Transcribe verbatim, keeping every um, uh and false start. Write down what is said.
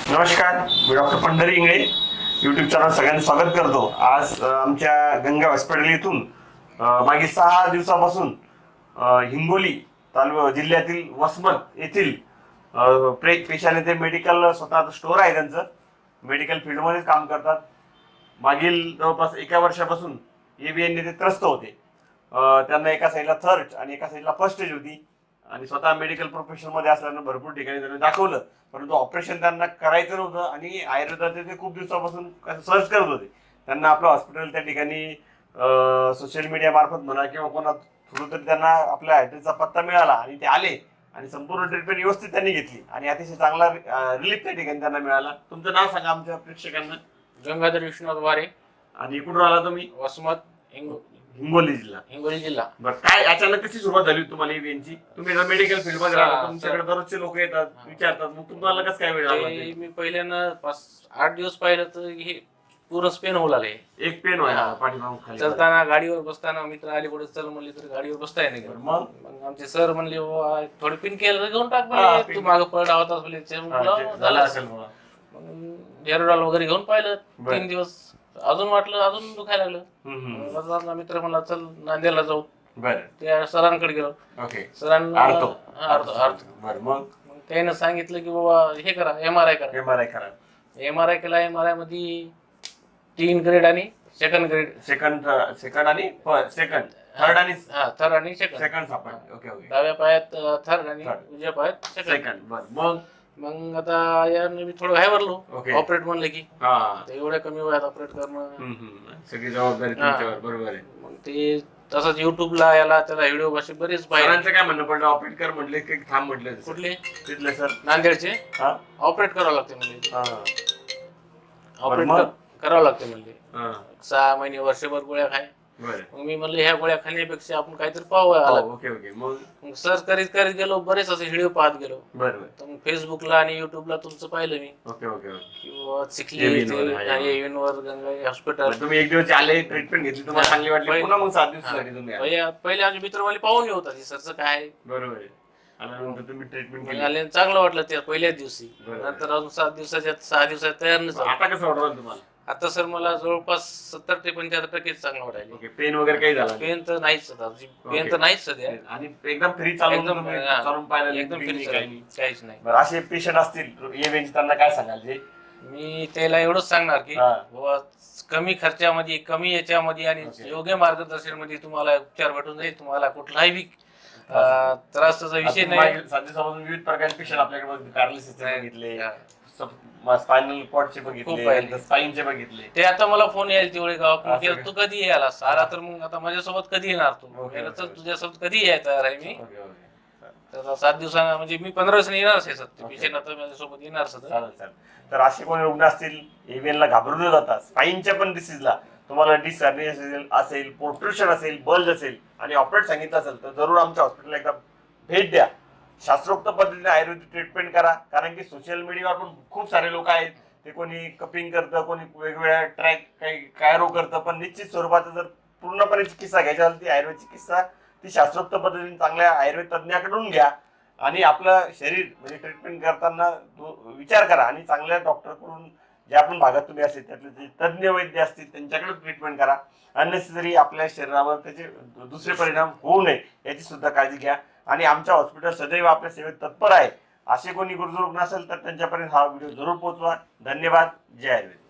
नमस्कार, मी doctor Pandhari Ingale YouTube channel सगळ्यांचं स्वागत करतो. आज अ, आमच्या गंगा हॉस्पिटल इथून अ, मागील सहा दिवसापासून अ, हिंगोली तालुका जिल्ह्यातील वसमत येथील अ, प्रेत पेशाने ते मेडिकल स्वतःचं स्टोअर आहे, त्यांचं मेडिकल फील्डमध्येच काम करतात. मागील जवळपास एका वर्षापासून एबीएनने ते त्रस्त होते. अ, त्यांना एका साईडला थर्ड आणि एका साईडला फर्स्ट स्टेज होती आणि स्वतः मेडिकल प्रोफेशन मध्ये असल्यानं भरपूर ठिकाणी त्यांनी दाखवलं, परंतु ऑपरेशन त्यांना करायचं नव्हतं आणि आयुर्वेदाचे ते खूप दिवसापासून सर्च करत होते. त्यांना आपलं हॉस्पिटल त्या ठिकाणी सोशल मीडिया मार्फत म्हणा किंवा कोणा थ्रू तरी त्यांना आपल्या ऍड्रेसचा पत्ता मिळाला आणि ते आले आणि संपूर्ण ट्रीटमेंट व्यवस्थित त्यांनी घेतली आणि अतिशय चांगला रिलीफ त्या ठिकाणी त्यांना मिळाला. तुमचं नाव सांगा आमच्या प्रेक्षकांना. गंगाधर विश्वनाथ वारे, आणि कुठून आला तुम्ही? वसमत, हिंगो हिंगोली जिल्हा. हिंगोली जिल्हा. बरं, काय अचानक कशी सुरुवात झाली होती तुम्हाला ईव्हीएनची? तुम्ही मेडिकल फील्ड मध्ये राहता, तुमच्याकडे दररोजचे लोक येतात, विचारतात, मग तुम्हाला कसं काय वेळ लागला? ते मी पहिल्यांदा पाच आठ दिवस पाहिलं तर हे पूर्ण स्पेन होऊ लागले. एक पेन व्हायला पाठीमागून खाली. चलताना गाडीवर बसताना मित्र आले पुढे चल म्हणले तर गाडीवर बसता येत नाही. मग मग आमचे सर म्हणले बाबा थोडी पिन केलं तर घेऊन टाक हा, म्हणले, pin. तू मागं पडला होतास म्हणले. ते हा, म्हणलं, ते झालं असेल मला. मग डेरोडॉल वगैरे घेऊन पाहिलं बरं. तीन दिवस. अजून वाटलं अजून दुखायला लागलं. हम्म, हम्म. मग माझा माझा मित्र म्हणला चल नांदेडला जाऊ. बरं, त्या सरांकडे गेलो. ओके. सरांना आर्थो. हा, आर्थो आर्थो. बरं, मग मग त्यानं सांगितलं की बाबा हे करा, एम आर आय करा. एम आर आय करा. एम आर आय केला. एम आर आय मध्ये तीन ग्रेड आणि सेकंड ग्रेड. सेकंड सेकंड आणि सेकंड थर्ड आणि हा थर्ड आणि सेकंड. सेकंड सापडले. Okay okay. डाव्या पायात थर्ड आणि Third. उजव्या पायात सेकंड. सेकंड. बरं, मग मग आता यानं मी थोडं घाबरलो. Okay. ऑपरेट म्हणलं की हा. तर एवढ्या कमी वयात ऑपरेट करणं. हम्म, हम्म. सगळी जबाबदारी तुमच्यावर. बरोबर आहे. मग ते तसंच युट्यूबला याला त्याला व्हिडिओ असे बरेच पाहिजे. सरांचं काय म्हणणं पडलं? ऑपरेट कर म्हटले की थांब म्हटले? कुठले? तिथले सर. नांदेडचे. हा ऑपरेट करावं लागते म्हणजे. हा ऑपरेट मग? करावं लागते म्हणजे. हा. सहा महिने वर्षभर गोळ्या खाय. बरं. मग मी म्हणलं ह्या गोळ्या खाण्यापेक्षा आपण काहीतरी पाहूया आला. हो, ओके ओके. मग मग सर्च करीत करीत गेलो, बरेच असे व्हिडिओ पाहत गेलो. बरं बरं. तर मग फेसबुकला आणि युट्यूबला तुमचं पाहिलं मी ओके ओके ओके. किंवा चिखली एव्हिन वर, हा, हा. एव्हिनवर गंगा हॉस्पिटल. मग तुम्ही एक दिवस आले, ट्रीटमेंट घेतली, तुम्हाला हा. चांगली वाटली, पहिले- पुन्हा मग सात दिवसासाठी तुम्ही आले. पहिले पहिले आमचे मित्र मला पाहून येत होता सरचं काय आहे. बरोबर आहे. आल्यानंतर तुम्ही ट्रीटमेंट मग केली. आले आणि चांगलं वाटलं त्या पहिल्याच दिवसी. बरोबर. नंतर अजून सात दिवसाच्या सहा दिवसात तयार नाही झालं. आता कसं वाटलं तुम्हाला? आता सर मला जवळपास सत्तर ते पंच्याहत्तर टक्के चांगलं वाटायला. ओके. पेन वगैरे काही झाला? पेन तर नाहीच सध्या. Pen okay. तर नाहीच सध्या. आणि एकदम फ्री चालून एकदम तुम्ही हा. चालून पाहिलं? एकदम काही फ्री नाही. काहीच नाही. बरं, असे पेशंट असतील एव्हीएनचे, त्यांना काय सांगाल? जे मी त्याला एवढंच सांगणार की हा. बुवा कमी खर्चामध्ये, कमी याच्यामध्ये आणि ओके. योग्य मार्गदर्शन मध्ये तुम्हाला उपचार भेटून जाईल. तुम्हाला कुठलाही बी अं, त्रासाचा विषय आता नाही. मागील सात दिवसापासून विविध प्रकारचे पेशंट आपल्याकडे बघितले. पॅरालिसिसचे बघितले, हा. स्पायनल कॉर्डचे खूप बघितले, पाहिले. स्पाईनचे बघितले. ते आता मला फोन यायला तेवढे गावात असं केलं, का? तू कधी यायला आला तर मग आता माझ्यासोबत कधी येणार तू? ओके, म्हणलं, चल ओके. तुझ्यासोबत कधी यायला तयार आहे मी. Okay okay. तर आता सात दिवसांना म्हणजे मी पंधरा दिवसांनी येणारच आहे सध्या. ओके. पेशंट आता माझ्यासोबत येणार सध्या. चालेल चालेल. तर असे कोणी रुग्ण असतील एव्हीएनला घाबरून न जाता, स्पाईनच्या पण डिसीजला तुम्हाला डिसऑर्डिनेशन असेल असेल पोर्ट्रुशन असेल, बल्ज असेल आणि ऑपरेट सांगितलं असेल, तर जरूर आमच्या हॉस्पिटलला एकदा भेट द्या. शास्त्रोक्त पद्धतीने आयुर्वेदिक ट्रीटमेंट करा. कारण की सोशल मीडियावर पण खूप सारे लोक आहेत, ते कोणी कपिंग करतं, कोणी वेगवेगळ्या ट्रॅक काही कायरो करतं, पण निश्चित स्वरूपाचा जर पूर्णपणे चिकित्सा घ्यायची असेल ती आयुर्वेद चिकित्सा ती शास्त्रोक्त पद्धतीने चांगल्या आयुर्वेद तज्ञाकडून घ्या आणि आपलं शरीर म्हणजे ट्रीटमेंट करताना विचार करा आणि चांगल्या डॉक्टरकडून, ज्या पण भागात तुम्ही असेल त्यातले जे तज्ज्ञ वैद्य असतील त्यांच्याकडे ट्रीटमेंट करा. अननेसेसरी आपल्या शरीरावर त्याचे दुसरे परिणाम होऊ नये याची सुद्धा काळजी घ्या. आणि आमच्या हॉस्पिटल सदैव आपल्या सेवेत तत्पर आहे. असे कोणी गुरुजू रुग्ण असेल तर त्यांच्यापर्यंत हा व्हिडिओ जरूर पोहोचवा. धन्यवाद. जय आयुर्वेद.